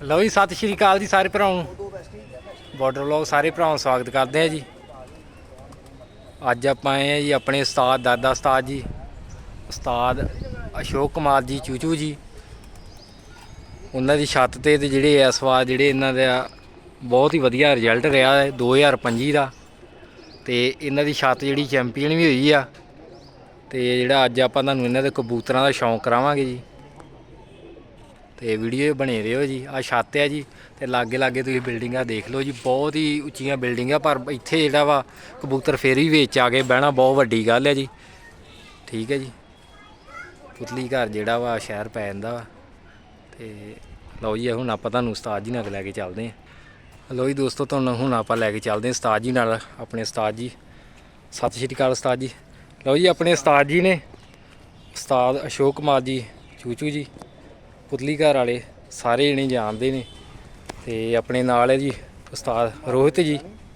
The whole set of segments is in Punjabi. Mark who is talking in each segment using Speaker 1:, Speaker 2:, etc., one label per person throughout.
Speaker 1: ਲਓ ਜੀ, ਸਤਿ ਸ਼੍ਰੀ ਅਕਾਲ ਜੀ ਸਾਰੇ ਭਰਾਵਾਂ ਨੂੰ। ਬਾਰਡਰ ਵਲੌਗ ਸਾਰੇ ਭਰਾਵਾਂ ਨੂੰ ਸਵਾਗਤ ਕਰਦੇ ਆ ਜੀ। ਅੱਜ ਆਪਾਂ ਆਏ ਆ ਜੀ ਆਪਣੇ ਉਸਤਾਦ ਦਾਦਾ ਉਸਤਾਦ ਜੀ, ਉਸਤਾਦ ਅਸ਼ੋਕ ਕੁਮਾਰ ਜੀ ਚੂਚੂ ਜੀ, ਉਹਨਾਂ ਦੀ ਛੱਤ ਤੇ ਜਿਹੜੇ ਇਸ ਵਾਰ ਜਿਹੜੇ ਇਹਨਾਂ ਦਾ ਬਹੁਤ ਹੀ ਵਧੀਆ ਰਿਜ਼ਲਟ ਰਿਹਾ ਹੈ 2025 ਦਾ, ਤੇ ਇਹਨਾਂ ਦੀ ਛੱਤ ਜਿਹੜੀ ਚੈਂਪੀਅਨ ਵੀ ਹੋਈ ਆ। ਤੇ ਜਿਹੜਾ ਅੱਜ ਆਪਾਂ ਤੁਹਾਨੂੰ ਇਹਨਾਂ ਦੇ ਕਬੂਤਰਾਂ ਦਾ ਸ਼ੌਂਕ ਕਰਾਵਾਂਗੇ ਜੀ, ਤੇ ਵੀਡੀਓ ਬਣੇ ਰਹੋ ਜੀ। ਆ ਛੱਤ ਆ ਜੀ, ਤੇ ਲਾਗੇ ਲਾਗੇ ਤੁਸੀਂ ਬਿਲਡਿੰਗਾਂ ਦੇਖ ਲਓ ਜੀ, ਬਹੁਤ ਹੀ ਉੱਚੀਆਂ ਬਿਲਡਿੰਗਾਂ, ਪਰ ਇੱਥੇ ਜਿਹੜਾ ਵਾ ਕਬੂਤਰ ਫੇਰ ਵੀ ਵਿੱਚ ਆ ਕੇ ਬਹਿਣਾ ਬਹੁਤ ਵੱਡੀ ਗੱਲ ਹੈ ਜੀ। ਠੀਕ ਹੈ ਜੀ, ਪੁਤਲੀ ਘਰ ਜਿਹੜਾ ਵਾ ਸ਼ਹਿਰ ਪੈ ਜਾਂਦਾ ਵਾ। ਤੇ ਲਓ ਜੀ, ਹੁਣ ਆਪਾਂ ਤੁਹਾਨੂੰ ਉਸਤਾਦ ਜੀ ਨਾਲ ਲੈ ਕੇ ਚੱਲਦੇ ਹਾਂ। ਲਓ ਜੀ ਦੋਸਤੋ, ਤੁਹਾਨੂੰ ਹੁਣ ਆਪਾਂ ਲੈ ਕੇ ਚੱਲਦੇ ਹਾਂ ਉਸਤਾਦ ਜੀ ਨਾਲ, ਆਪਣੇ ਉਸਤਾਦ ਜੀ। ਸਤਿ ਸ਼੍ਰੀ ਅਕਾਲ ਉਸਤਾਦ ਜੀ। ਲਓ ਜੀ, ਆਪਣੇ ਉਸਤਾਦ ਜੀ ਨੇ ਉਸਤਾਦ ਅਸ਼ੋਕ ਕੁਮਾਰ ਜੀ ਚੂਚੂ ਜੀ, ਪੁਤਲੀ ਘਰ ਵਾਲੇ ਸਾਰੇ ਜਣੇ ਜਾਣਦੇ ਨੇ। ਤੇ ਆਪਣੇ ਨਾਲ ਹੈ ਜੀ ਉਸਤਾਦ ਰੋਹਿਤ ਜੀ,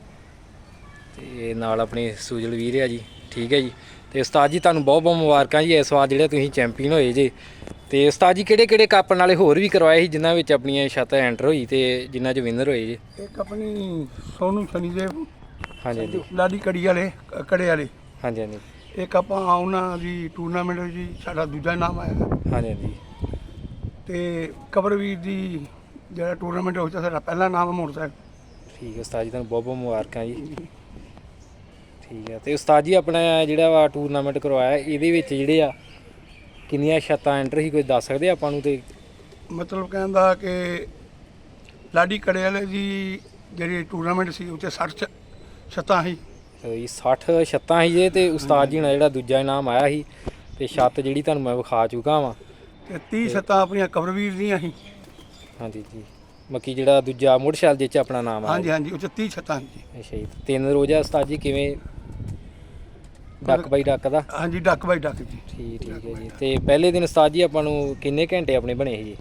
Speaker 1: ਤੇ ਨਾਲ ਆਪਣੇ ਸੁਜਲ ਵੀਰ ਆ ਜੀ। ਠੀਕ ਹੈ ਜੀ, ਤੇ ਉਸਤਾਦ ਜੀ ਤੁਹਾਨੂੰ ਬਹੁਤ ਬਹੁਤ ਮੁਬਾਰਕਾਂ ਜੀ ਇਸ ਵਾਰ ਜਿਹੜੇ ਤੁਸੀਂ ਚੈਂਪੀਅਨ ਹੋਏ ਜੇ। ਤੇ ਉਸਤਾਦ ਜੀ ਕਿਹੜੇ ਕਿਹੜੇ ਕੱਪ ਨਾਲੇ ਹੋਰ ਵੀ ਕਰਵਾਏ ਸੀ ਜਿਨ੍ਹਾਂ ਵਿੱਚ ਆਪਣੀਆਂ ਛੱਤਾਂ ਐਂਟਰ ਹੋਈ ਤੇ ਜਿਨ੍ਹਾਂ 'ਚ ਵਿਨਰ ਹੋਏ ਜੇ?
Speaker 2: ਇੱਕ ਆਪਣੀ ਸੋਨੂ ਸ਼ਨੀਦੇਵ,
Speaker 1: ਹਾਂਜੀ ਹਾਂਜੀ,
Speaker 2: ਲਾਡੀ ਕੜੀ ਵਾਲੇ ਕੜੇ ਵਾਲੇ।
Speaker 1: ਹਾਂਜੀ ਹਾਂਜੀ,
Speaker 2: ਇੱਕ ਆਪਾਂ ਉਹਨਾਂ ਦੀ ਟੂਰਨਾਮੈਂਟ ਜੀ ਸਾਡਾ ਦੂਜਾ ਨਾਮ ਆਇਆ।
Speaker 1: ਹਾਂਜੀ ਹਾਂਜੀ,
Speaker 2: ਤੇ ਕਬਰਵੀਰ ਦੀ ਜਿਹੜਾ ਟੂਰਨਾਮੈਂਟ ਹੋਇਆ ਸਾਡਾ ਪਹਿਲਾ ਨਾਮ ਮੋਟਰਸਾਈਕਲ।
Speaker 1: ਠੀਕ ਹੈ ਉਸਤਾਦ ਜੀ, ਤੁਹਾਨੂੰ ਬਹੁਤ ਬਹੁਤ ਮੁਬਾਰਕਾਂ ਜੀ। ਠੀਕ ਹੈ, ਤੇ ਉਸਤਾਦ ਜੀ ਆਪਣਾ ਜਿਹੜਾ ਵਾ ਟੂਰਨਾਮੈਂਟ ਕਰਵਾਇਆ ਇਹਦੇ ਵਿੱਚ ਜਿਹੜੇ ਆ ਕਿੰਨੀਆਂ ਛੱਤਾਂ ਐਂਟਰ ਸੀ, ਕੋਈ ਦੱਸ ਸਕਦੇ ਆਪਾਂ ਨੂੰ? ਤੇ
Speaker 2: ਮਤਲਬ ਕਹਿੰਦਾ ਕਿ ਲਾਡੀ ਕੜੇ ਵਾਲੇ ਦੀ ਜਿਹੜੀ ਟੂਰਨਾਮੈਂਟ ਸੀ ਉੱਥੇ 60 ਛੱਤਾਂ ਸੀ।
Speaker 1: 60 ਛੱਤਾਂ ਸੀ ਜੇ, ਤੇ ਉਸਤਾਦ ਜੀ ਨਾਲ ਜਿਹੜਾ ਦੂਜਾ ਇਨਾਮ ਆਇਆ ਸੀ, ਤੇ ਛੱਤ ਜਿਹੜੀ ਤੁਹਾਨੂੰ ਮੈਂ ਵਿਖਾ ਚੁੱਕਾ ਵਾਂ।
Speaker 2: ਤੇ 30 ਛੱਤਾਂ ਆਪਣੀਆਂ ਕਬਰਵੀਰ ਦੀਆਂ ਸੀ।
Speaker 1: ਹਾਂਜੀ ਜੀ, ਬਾਕੀ ਜਿਹੜਾ ਦੂਜਾ ਮੋਟਰਸਾਈਕਲ ਜਿਹ 'ਚ ਆਪਣਾ ਨਾਮ ਆਇਆ।
Speaker 2: ਹਾਂਜੀ ਹਾਂਜੀ, ਉੱਥੇ 30 ਛੱਤਾਂ ਸੀ।
Speaker 1: ਅੱਛਾ ਜੀ, 3 ਰੋਜ਼ਾ ਉਸਤਾਦ ਜੀ ਕਿਵੇਂ ਡੱਕ ਬਾਈ ਡੱਕ ਦਾ?
Speaker 2: ਹਾਂਜੀ, ਡੱਕ ਬਾਈ ਡੱਕ ਜੀ।
Speaker 1: ਠੀਕ ਹੈ ਜੀ। ਤੇ ਪਹਿਲੇ ਦਿਨ ਉਸਤਾਦ ਜੀ ਆਪਾਂ ਨੂੰ ਕਿੰਨੇ ਘੰਟੇ ਆਪਣੇ ਬਣੇ ਸੀ ਜੀ?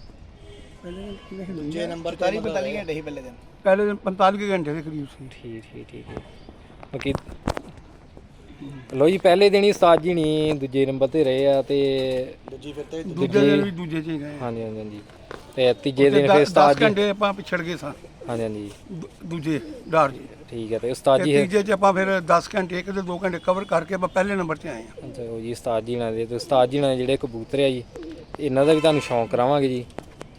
Speaker 2: ਦੂਜੇ ਨੰਬਰ 45 ਘੰਟੇ ਸੀ ਪਹਿਲੇ ਦਿਨ। ਪਹਿਲੇ ਦਿਨ 45 ਘੰਟੇ ਦੇ ਕਰੀਬ ਸੀ।
Speaker 1: ਠੀਕ ਹੈ। ਬਾਕੀ ਲੋ ਜੀ, ਪਹਿਲੇ ਦਿਨ ਹੀ ਉਸਤਾਦ ਜੀ ਨਹੀਂ ਦੂਜੇ ਨੰਬਰ ਤੇ ਰਹੇ ਆ, ਤੇ
Speaker 2: ਦੂਜੇ ਦਿਨ ਵੀ ਦੂਜੇ 'ਚ ਹੀ ਗਏ।
Speaker 1: ਹਾਂਜੀ ਹਾਂਜੀ, ਤੇ ਤੀਜੇ ਦਿਨ ਫਿਰ ਉਸਤਾਦ
Speaker 2: 10 ਘੰਟੇ ਆਪਾਂ ਪਿਛੜ ਗਏ ਸਾਂ।
Speaker 1: ਹਾਂਜੀ ਹਾਂਜੀ,
Speaker 2: ਦੂਜੇ ਡਾਰ ਜੀ।
Speaker 1: ਠੀਕ ਹੈ, ਤੇ ਉਸਤਾਦ ਜੀ
Speaker 2: ਤੀਜੇ 'ਚ ਆਪਾਂ ਫਿਰ 10 ਘੰਟੇ 1 ਤੇ 2 ਘੰਟੇ ਕਵਰ ਕਰਕੇ ਆਪਾਂ ਪਹਿਲੇ ਨੰਬਰ 'ਤੇ ਆਏ ਹਾਂ।
Speaker 1: ਅੱਛਾ ਜੀ, ਉਸਤਾਦ ਜੀ ਨਾਲ ਦੇ, ਤੇ ਉਸਤਾਦ ਜੀ ਨਾਲ ਜਿਹੜੇ ਕਬੂਤਰ ਆ ਜੀ ਇਹਨਾਂ ਦਾ ਵੀ ਤੁਹਾਨੂੰ ਸ਼ੌਂਕ ਕਰਾਵਾਂਗੇ ਜੀ।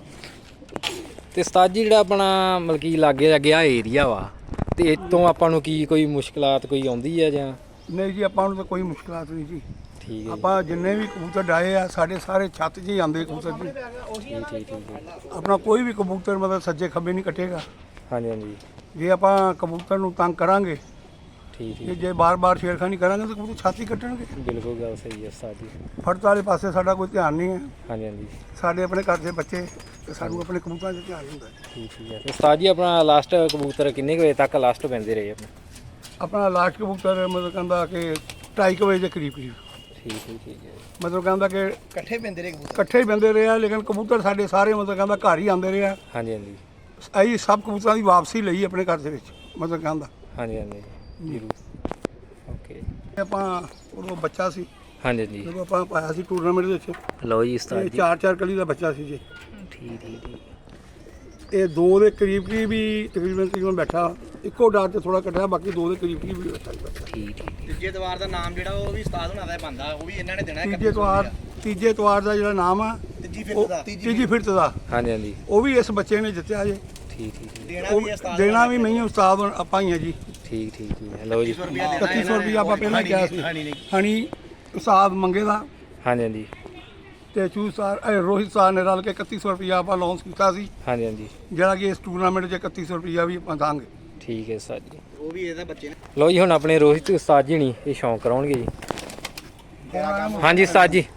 Speaker 1: ਤੇ ਉਸਤਾਦ ਜੀ ਜਿਹੜਾ ਆਪਣਾ ਮਤਲਬ ਕਿ ਲਾਗੇ ਲੱਗੇ ਆ ਏਰੀਆ ਵਾ, ਤੇ ਇੱਥੋਂ ਆਪਾਂ ਨੂੰ ਕੀ ਕੋਈ ਮੁਸ਼ਕਲਾਤ ਕੋਈ ਆਉਂਦੀ ਆ ਜਾਂ?
Speaker 2: ਨਹੀਂ ਜੀ, ਆਪਾਂ ਨੂੰ ਤਾਂ ਕੋਈ ਮੁਸ਼ਕਲਾਤ ਨਹੀਂ ਜੀ।
Speaker 1: ਠੀਕ ਹੈ,
Speaker 2: ਆਪਾਂ ਜਿੰਨੇ ਵੀ ਕਬੂਤਰ ਡਾਏ ਆ ਸਾਡੇ ਸਾਰੇ ਛੱਤ 'ਚ ਹੀ ਆਉਂਦੇ ਕਬੂਤਰ ਜੀ।
Speaker 1: ਠੀਕ ਹੈ।
Speaker 2: ਆਪਣਾ ਕੋਈ ਵੀ ਕਬੂਤਰ ਮਤਲਬ ਸੱਜੇ ਖੱਬੇ ਨਹੀਂ ਕੱਟੇਗਾ।
Speaker 1: ਹਾਂਜੀ ਹਾਂਜੀ,
Speaker 2: ਜੇ ਆਪਾਂ ਕਬੂਤਰ ਨੂੰ ਤੰਗ ਕਰਾਂਗੇ,
Speaker 1: ਠੀਕ
Speaker 2: ਜੇ ਬਾਰ-ਬਾਰ ਛੇੜਖਾਨੀ ਕਰਾਂਗੇ ਤਾਂ ਕਬੂਤਰ ਛਾਤੀ ਕੱਟਣਗੇ।
Speaker 1: ਬਿਲਕੁਲ ਗੱਲ ਸਹੀ ਹੈ ਉਸਤਾਦ ਜੀ।
Speaker 2: ਫੜਤ ਵਾਲੇ ਪਾਸੇ ਸਾਡਾ ਕੋਈ ਧਿਆਨ ਨਹੀਂ ਹੈ।
Speaker 1: ਹਾਂਜੀ ਹਾਂਜੀ,
Speaker 2: ਸਾਡੇ ਆਪਣੇ ਘਰ ਦੇ ਬੱਚੇ ਤੇ ਸਾਨੂੰ ਆਪਣੇ ਕਬੂਤਰਾਂ 'ਚ ਧਿਆਨ ਹੁੰਦਾ ਹੈ।
Speaker 1: ਠੀਕ ਹੈ। ਤੇ ਉਸਤਾਦ ਜੀ ਆਪਣਾ ਲਾਸਟ ਕਬੂਤਰ ਕਿੰਨੇ ਕੁ ਵਜੇ ਤੱਕ ਲਾਸਟ ਪੈਂਦੇ ਰਹੇ ਆਪਣੇ?
Speaker 2: ਆਪਣਾ ਲਾਸਟ ਕਬੂਤਰ ਮਤਲਬ ਕਹਿੰਦਾ ਕਿ 2:30 ਵਜੇ ਦੇ ਕਰੀਬ
Speaker 1: ਠੀਕ ਹੈ।
Speaker 2: ਮਤਲਬ ਕਹਿੰਦਾ ਕਿ ਇਕੱਠੇ ਹੀ ਬੰਦੇ ਰਹੇ ਆ, ਲੇਕਿਨ ਕਬੂਤਰ ਸਾਡੇ ਸਾਰੇ ਮਤਲਬ ਕਹਿੰਦਾ ਘਰ ਹੀ ਆਉਂਦੇ ਰਹੇ ਆ।
Speaker 1: ਹਾਂਜੀ ਹਾਂਜੀ,
Speaker 2: ਅਸੀਂ ਸਭ ਕਬੂਤਰਾਂ ਦੀ ਵਾਪਸੀ ਲਈ ਆਪਣੇ ਘਰ ਦੇ ਵਿੱਚ ਮਤਲਬ ਕਹਿੰਦਾ।
Speaker 1: ਹਾਂਜੀ ਜ਼ਰੂਰ। ਓਕੇ,
Speaker 2: ਆਪਾਂ ਉਦੋਂ ਬੱਚਾ ਸੀ
Speaker 1: ਹਾਂਜੀ ਹਾਂਜੀ,
Speaker 2: ਜਦੋਂ ਆਪਾਂ ਪਾਇਆ ਸੀ ਟੂਰਨਾਮੈਂਟ ਦੇ ਵਿੱਚ।
Speaker 1: ਲਓ ਜੀ ਉਸਤਾਦ
Speaker 2: ਇਹ
Speaker 1: ਜੀ।
Speaker 2: 4 ਕਲੀ ਦਾ ਬੱਚਾ ਸੀ ਜੀ।
Speaker 1: ਠੀਕ
Speaker 2: ਇਹ 2 ਦੇ ਕਰੀਬ ਵੀ ਤਕਰੀਬਨ ਬੈਠਾ, ਇੱਕੋ ਡਾਟ ਤੇ ਥੋੜਾ ਕੱਟਿਆ, ਬਾਕੀ 2 ਦੇ ਕਰੀਬ ਵੀ ਬੈਠਾ ਸੀ।
Speaker 1: ਠੀਕ
Speaker 3: ਤੀਜੇ ਤਵਾਰ ਦਾ ਨਾਮ ਜਿਹੜਾ ਉਹ ਵੀ ਉਸਤਾਦ ਹੁਣਾਂ ਦਾ ਬੰਦਾ, ਉਹ ਵੀ ਇਹਨਾਂ ਨੇ ਦੇਣਾ।
Speaker 2: ਤੀਜੇ ਤਵਾਰ ਦਾ ਜਿਹੜਾ ਨਾਮ ਆ ਤੀਜੀ ਫਿਰਤ ਦਾ,
Speaker 1: ਹਾਂਜੀ
Speaker 2: ਉਹ ਵੀ ਇਸ ਬੱਚੇ ਨੇ ਜਿੱਤਿਆ ਜੇ।
Speaker 1: ਠੀਕ
Speaker 2: ਦੇਣਾ ਵੀ ਨਹੀਂ ਉਸਤਾਦ ਆਪਾਂ ਹੀ ਆ ਜੀ।
Speaker 1: ਠੀਕ ਲਓ ਜੀ,
Speaker 2: 3100 ਰੁਪਇਆ ਆਪਾਂ ਪਹਿਲਾਂ ਕਿਹਾ ਸੀ। ਹਣੀ ਉਸਤਾਦ ਮੰਗੇ ਦਾ,
Speaker 1: ਹਾਂਜੀ
Speaker 2: ਤੇ ਚੂ ਰੋਹਿਤ ਸਾਹਿਬ ਨੇ ਰਲ ਕੇ 3100 ਰੁਪਇਆ ਆਪਾਂ ਲਾਂਚ ਕੀਤਾ ਸੀ।
Speaker 1: ਹਾਂਜੀ,
Speaker 2: ਜਿਹੜਾ ਕਿ ਇਸ ਟੂਰਨਾਮੈਂਟ 'ਚ 3100 ਰੁਪਇਆ ਵੀ ਆਪਾਂ ਦਾਂਗੇ।
Speaker 1: ਠੀਕ ਹੈ ਉਸਤਾਦ ਜੀ।
Speaker 3: ਉਹ ਵੀ ਇਹਦਾ ਬੱਚੇ ਨੇ।
Speaker 1: ਲਓ ਜੀ, ਹੁਣ ਆਪਣੇ ਰੋਹਿਤ ਉਸਤਾਦ ਜੀ ਨਹੀਂ ਇਹ ਸ਼ੌਂਕ ਕਰਾਉਣਗੇ ਜੀ। ਹਾਂਜੀ ਉਸਤਾਦ ਜੀ,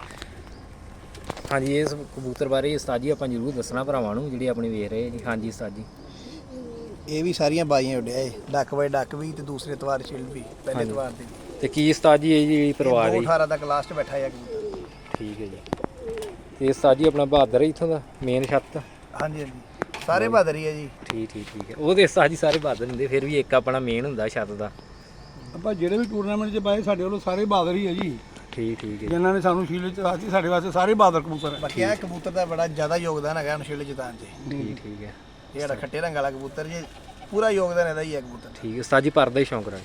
Speaker 1: ਹਾਂਜੀ ਇਸ ਕਬੂਤਰ ਬਾਰੇ ਉਸਤਾਦ ਜੀ ਆਪਾਂ ਜ਼ਰੂਰ ਦੱਸਣਾ ਭਰਾਵਾਂ ਨੂੰ ਜਿਹੜੇ ਆਪਣੇ ਵੇਖ ਰਹੇ ਜੀ। ਹਾਂਜੀ ਉਸਤਾਦ ਜੀ,
Speaker 4: ਇਹ ਵੀ ਸਾਰੀਆਂ ਬਾਈਆਂ ਉੱਡਿਆ ਏ, ਡੱਕ ਬਾਈ ਡੱਕ ਵੀ ਤੇ ਦੂਸਰੇ ਤਵਾਰ ਛਿਲ ਵੀ, ਪਹਿਲੇ ਤਵਾਰ ਦੇ
Speaker 1: ਤੇ ਕੀ ਉਸਤਾਦ ਜੀ ਇਹ ਜਿਹੜੀ ਪਰਿਵਾਰ ਹੈ?
Speaker 4: 18 ਤੱਕ ਲਾਸਟ ਬੈਠਾ ਹੈ ਕਬੂਤਰ।
Speaker 1: ਠੀਕ ਹੈ ਜੀ। ਤੇ ਉਸਤਾਦ ਜੀ ਆਪਣਾ ਬਹਾਦਰ ਹੈ ਇੱਥੋਂ ਦਾ ਮੇਨ ਛੱਤ?
Speaker 4: ਹਾਂਜੀ ਸਾਰੇ ਬਹਾਦਰ ਹੀ ਹੈ ਜੀ।
Speaker 1: ਠੀਕ ਹੈ। ਉਹਦੇ ਉਸਤਾਦ ਜੀ ਸਾਰੇ ਬਹਾਦਰ ਹੁੰਦੇ, ਫਿਰ ਵੀ ਇੱਕ ਆਪਣਾ ਮੇਨ ਹੁੰਦਾ ਛੱਤ ਦਾ।
Speaker 2: ਆਪਾਂ ਜਿਹੜੇ ਵੀ ਟੂਰਨਾਮੈਂਟ 'ਚ ਪਾਏ ਸਾਡੇ ਵੱਲੋਂ ਸਾਰੇ ਬਹਾਦਰ ਹੀ ਹੈ ਜੀ।
Speaker 1: ਠੀਕ ਹੈ
Speaker 2: ਜਿਨ੍ਹਾਂ ਨੇ ਸਾਨੂੰ ਸ਼ੀਲੇ ਚ ਰਾਤੀ ਸਾਡੇ ਵਾਸਤੇ ਸਾਰੇ ਬਾਦਰ ਕਬੂਤਰ ਹੈ।
Speaker 4: ਬਾਕੀ ਇਹ ਕਬੂਤਰ ਦਾ ਬੜਾ ਜ਼ਿਆਦਾ ਯੋਗਦਾਨ ਹੈਗਾ ਨਸ਼ੀਲੇ ਜਿਤਾਨ 'ਚ।
Speaker 1: ਠੀਕ ਹੈ
Speaker 4: ਇਹ ਜਿਹੜਾ ਖੱਟੇ ਰੰਗ ਵਾਲਾ ਕਬੂਤਰ ਜੀ ਪੂਰਾ ਯੋਗਦਾਨ ਇਹਦਾ ਹੀ ਹੈ ਕਬੂਤਰ।
Speaker 1: ਠੀਕ ਹੈ ਉਸਤਾਦ ਜੀ ਭਰਦਾ ਹੀ ਸ਼ੌਂਕ ਰੱਖ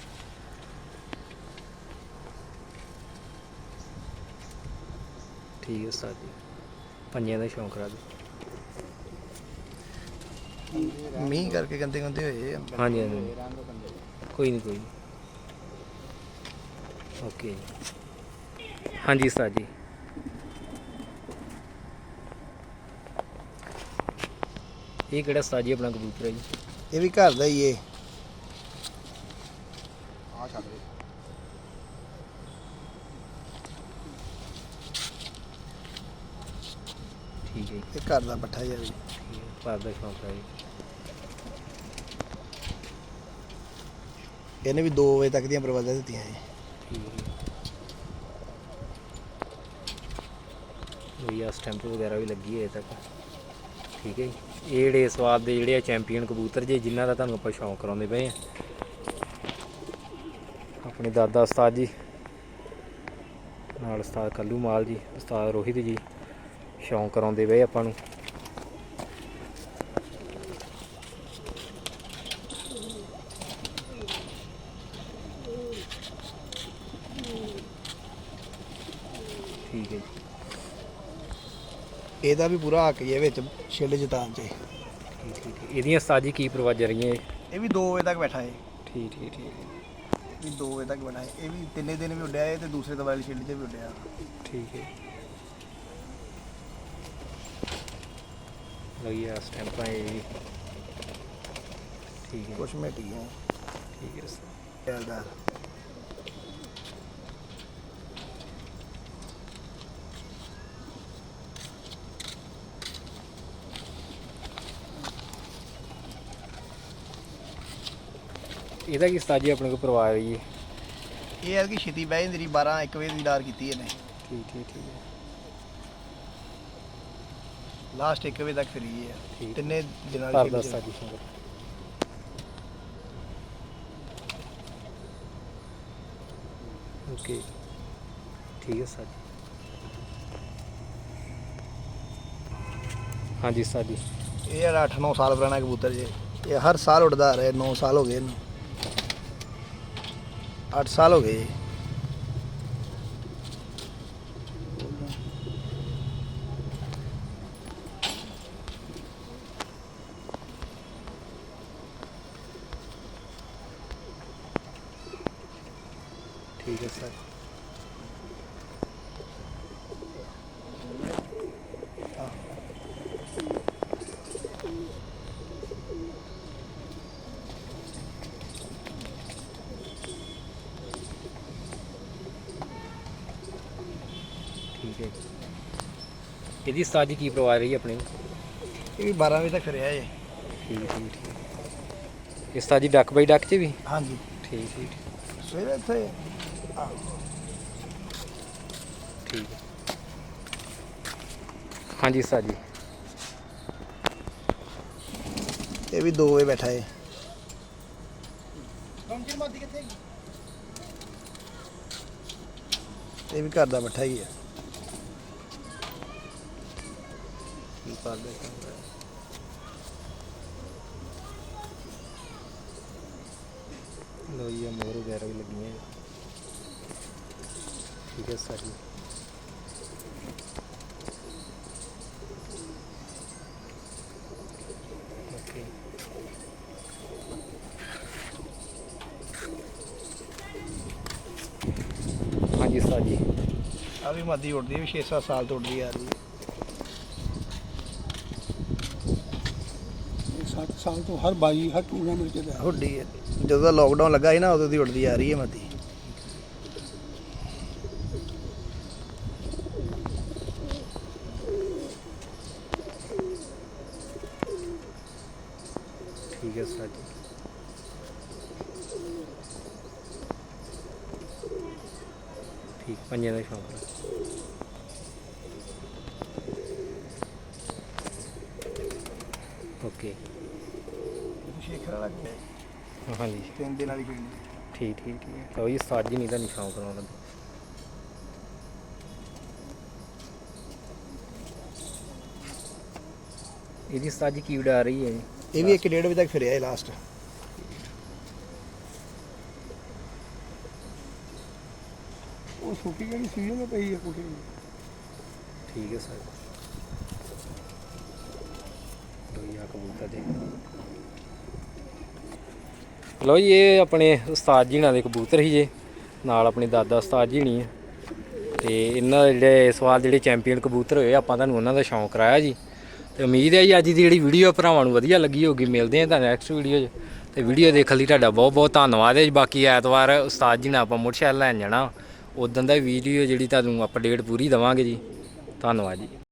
Speaker 1: ਠੀਕ ਹੈ ਉਸਤਾਦ ਜੀ ਪੰਜਿਆਂ ਦਾ ਸ਼ੌਂਕ ਰੱਖ
Speaker 4: ਮੀਂਹ ਕਰਕੇ ਗੰਦੇ ਗੰਦੇ ਹੋਏ ਆ।
Speaker 1: ਹਾਂਜੀ ਹਾਂਜੀ ਕੋਈ ਨਹੀਂ ਓਕੇ ਹਾਂਜੀ ਉਸਤਾਦ ਜੀ ਇਹ ਕਿਹੜਾ ਉਸਤਾਦ ਜੀ ਆਪਣਾ ਕਬੂਤਰ ਹੈ ਜੀ
Speaker 4: ਇਹ ਵੀ ਘਰ ਦਾ ਹੀ ਏ।
Speaker 1: ਠੀਕ ਹੈ ਜੀ
Speaker 4: ਇਹ ਘਰ ਦਾ ਪੱਠਾ ਹੀ ਆ ਜੀ।
Speaker 1: ਭਰਦਾ ਸ਼ੌਂਕ ਹੈ ਜੀ
Speaker 4: ਇਹਨੇ ਵੀ 2 ਵਜੇ ਤੱਕ ਦੀਆਂ ਪ੍ਰਵਾਜ਼ਾਂ ਦਿੱਤੀਆਂ ਜੀ।
Speaker 1: ਵੀ ਆ ਸਟੈਂਪ ਵਗੈਰਾ ਵੀ ਲੱਗੀ ਹੈ ਅਜੇ ਤੱਕ ਠੀਕ ਹੈ ਜੀ ਇਹ ਜਿਹੜੇ ਸਵਾਦ ਦੇ ਜਿਹੜੇ ਆ ਚੈਂਪੀਅਨ ਕਬੂਤਰ ਜੇ ਜਿਨ੍ਹਾਂ ਦਾ ਤੁਹਾਨੂੰ ਆਪਾਂ ਸ਼ੌਂਕ ਕਰਾਉਂਦੇ ਪਏ ਆ ਆਪਣੇ ਦਾਦਾ ਉਸਤਾਦ ਜੀ ਨਾਲ ਉਸਤਾਦ ਕੱਲੂ ਮਾਲ ਜੀ ਉਸਤਾਦ ਰੋਹਿਤ ਜੀ ਸ਼ੌਂਕ ਕਰਾਉਂਦੇ ਪਏ ਆਪਾਂ ਨੂੰ ਠੀਕ ਹੈ ਜੀ
Speaker 4: ਇਹਦਾ ਵੀ ਪੂਰਾ ਹੱਕ ਹੀ ਹੈ ਵਿੱਚ ਛਿੱਲ ਜਿਤਾਨ 'ਚ।
Speaker 1: ਠੀਕ ਇਹਦੀਆਂ ਉਸਤਾਦ ਜੀ ਕੀ ਪ੍ਰਵਾਜ਼ਾਂ ਰਹੀਆਂ ਇਹ
Speaker 4: ਇਹ ਵੀ 2 ਵਜੇ ਤੱਕ ਬੈਠਾ ਹੈ।
Speaker 1: ਠੀਕ
Speaker 4: ਇਹ ਵੀ 2 ਵਜੇ ਤੱਕ ਬੈਠਾ ਹੈ। ਇਹ ਵੀ ਤਿੰਨੇ ਦਿਨ ਵੀ ਉੱਡਿਆ ਹੈ ਤੇ ਦੂਸਰੇ ਦਵਾਈ ਵਾਲੀ ਛਿੱਲ 'ਚ ਵੀ ਉੱਡਿਆ।
Speaker 1: ਠੀਕ ਹੈ ਲਗੀ ਆ ਸਟੈਂਪਾਂ ਇਹ ਵੀ ਠੀਕ ਹੈ
Speaker 4: ਕੁਛ ਮਿਟੀਆਂ
Speaker 1: ਠੀਕ ਹੈ ਸਰ
Speaker 4: ਚੱਲਦਾ।
Speaker 1: ਇਹਦਾ ਕੀ ਉਸਤਾਦ ਜੀ ਆਪਣੇ ਕੋਲ ਪਰਿਵਾਰ ਹੈ ਜੀ
Speaker 4: ਇਹ ਹੈ ਕਿ ਛੇਤੀ ਬਹਿ ਜਾਂਦੀ 12-1 ਵਜੇ ਦੀ ਡਾਰ ਕੀਤੀ ਇਹਨੇ।
Speaker 1: ਠੀਕ ਹੈ
Speaker 4: ਲਾਸਟ 1 ਵਜੇ ਤੱਕ ਫਰੀ ਹੈ।
Speaker 1: ਠੀਕ।
Speaker 4: ਤਿੰਨੇ ਦਿਨਾਂ
Speaker 1: ਭਰਦਾ
Speaker 4: ਦੀ
Speaker 1: ਉਸਤਾਦ ਜੀ ਸ਼ੌਂਕ ਓਕੇ ਠੀਕ ਹੈ ਸਰ ਹਾਂਜੀ ਸਰ ਜੀ
Speaker 4: ਇਹ ਜਿਹੜਾ 8-9 ਸਾਲ ਪੁਰਾਣਾ ਕਬੂਤਰ ਜੇ ਇਹ ਹਰ ਸਾਲ ਉੱਡਦਾ ਆ ਰਿਹਾ। 9 ਸਾਲ ਹੋ ਗਏ ਇਹਨੂੰ 8 ਸਾਲ ਹੋ ਗਏ ਜੀ।
Speaker 1: ਠੀਕ ਹੈ ਸਰ ਠੀਕ ਹੈ ਜੀ ਇਹਦੀ ਉਸਤਾਦ ਜੀ ਕੀ ਪਰਿਵਾਰ ਰਹੀ ਆਪਣੇ
Speaker 4: ਇਹ ਵੀ 12 ਵਜੇ ਤੱਕ ਫਿਰਿਆ ਜੇ।
Speaker 1: ਠੀਕ ਇਹ ਉਸਤਾਦ ਜੀ ਡੱਕ ਬਾਈ ਡੱਕ 'ਚ ਵੀ
Speaker 4: ਹਾਂਜੀ
Speaker 1: ਠੀਕ
Speaker 4: ਸਵੇਰੇ ਇੱਥੇ
Speaker 1: ਠੀਕ ਹੈ ਹਾਂਜੀ ਉਸਤਾਦ ਜੀ
Speaker 4: ਇਹ ਵੀ 2 ਵਜੇ ਬੈਠਾ ਹੈ। ਇਹ ਵੀ ਘਰ ਦਾ ਬੱਠਾ ਹੀ ਹੈ।
Speaker 1: ਲੋ ਜੀ ਮੋਰ ਵਗੈਰਾ ਵੀ ਲੱਗੀਆਂ ਠੀਕ ਹੈ ਸਰ ਜੀ ਓਕੇ ਹਾਂਜੀ ਸਰ ਜੀ
Speaker 4: ਆ ਵੀ ਮਾਦੀ ਉੱਡਦੀ ਹੈ, ਵੀ 6-7 ਸਾਲ ਤੋਂ ਉੱਡਦੀ ਆ ਰਹੀ ਹੈ।
Speaker 2: 7 ਸਾਲ ਤੋਂ ਹਰ ਬਾਈ ਹਰ ਟੂਰਨਾਮੈਂਟ 'ਚ ਰਿਹਾ।
Speaker 4: ਉੱਡੀ ਹੈ। ਜਦੋਂ ਦਾ ਲੋਕਡਾਊਨ ਲੱਗਾ ਸੀ ਨਾ ਉਦੋਂ ਦੀ ਉੱਡਦੀ ਆ ਰਹੀ ਹੈ ਮਾਦੀ।
Speaker 1: ਠੀਕ ਹੈ ਸਰ ਜੀ ਠੀਕ ਪੰਜੇ ਦਾ ਸ਼ੌਂਕ ਹੈ ਓਕੇ
Speaker 4: ਸ਼ੇਖਰ ਵਾਲਾ ਗਿਆ
Speaker 1: ਹਾਂਜੀ
Speaker 4: 3 ਦਿਨ ਵਾਲੀ ਪਿੰਡ।
Speaker 1: ਠੀਕ ਹੈ ਲਓ ਜੀ ਉਸਤਾਦ ਜੀ ਨਹੀਂ ਤਾਂ ਸ਼ੌਂਕ ਕਰਾਉਣਾ ਇਹਦੀ ਉਸਤਾਦ ਜੀ ਕੀ ਉਡਾ ਰਹੀ ਹੈ ਜੀ?
Speaker 4: ਇਹ ਵੀ 1:30 ਵਜੇ ਤੱਕ ਫਿਰਿਆ ਹੈ ਲਾਸਟ।
Speaker 2: ਉਹ ਛੋਟੀ ਜਿਹੜੀ ਸੀਜ਼ਨ में ਪਈ ਹੈ ਕੁੜੀ
Speaker 1: ਠੀਕ ਹੈ ਸਰ। ਲੋਈਆ ਕਬੂਤਰ ਦੇ ਲੋ ਜੀ, ਇਹ ਆਪਣੇ ਉਸਤਾਦ ਜੀ ਨਾਲ ਦੇ ਕਬੂਤਰ ਸੀ ਜੇ, ਨਾਲ ਆਪਣੇ ਦਾਦਾ ਉਸਤਾਦ ਜੀ ਨਹੀਂ ਹੈ। ਤੇ ਇਹਨਾਂ ਦੇ ਜਿਹੜੇ ਇਸ ਵਾਰ ਜਿਹੜੇ ਚੈਂਪੀਅਨ ਕਬੂਤਰ ਹੋਏ ਆਪਾਂ ਤੁਹਾਨੂੰ ਉਹਨਾਂ ਦਾ ਸ਼ੌਂਕ ਕਰਾਇਆ ਜੀ। ਤੇ ਉਮੀਦ ਹੈ ਜੀ ਅੱਜ ਦੀ ਜਿਹੜੀ ਵੀਡੀਓ ਭਰਾਵਾਂ ਨੂੰ ਵਧੀਆ ਲੱਗੀ ਹੋਊਗੀ। ਮਿਲਦੇ ਹਾਂ ਤਾਂ ਨੈਕਸਟ ਵੀਡੀਓ 'ਚ। ਤੇ ਵੀਡੀਓ ਦੇਖਣ ਲਈ ਤੁਹਾਡਾ ਬਹੁਤ ਬਹੁਤ ਧੰਨਵਾਦ ਹੈ ਜੀ। ਬਾਕੀ ਐਤਵਾਰ ਉਸਤਾਦ ਜੀ ਨਾਲ ਆਪਾਂ ਮੋਟਰਸਾਈਕਲ ਲੈਣ ਜਾਣਾ, ਉਦੋਂ ਦਾ ਵੀਡੀਓ ਜਿਹੜੀ ਤੁਹਾਨੂੰ ਅਪਡੇਟ ਪੂਰੀ ਦੇਵਾਂਗੇ ਜੀ। ਧੰਨਵਾਦ ਜੀ।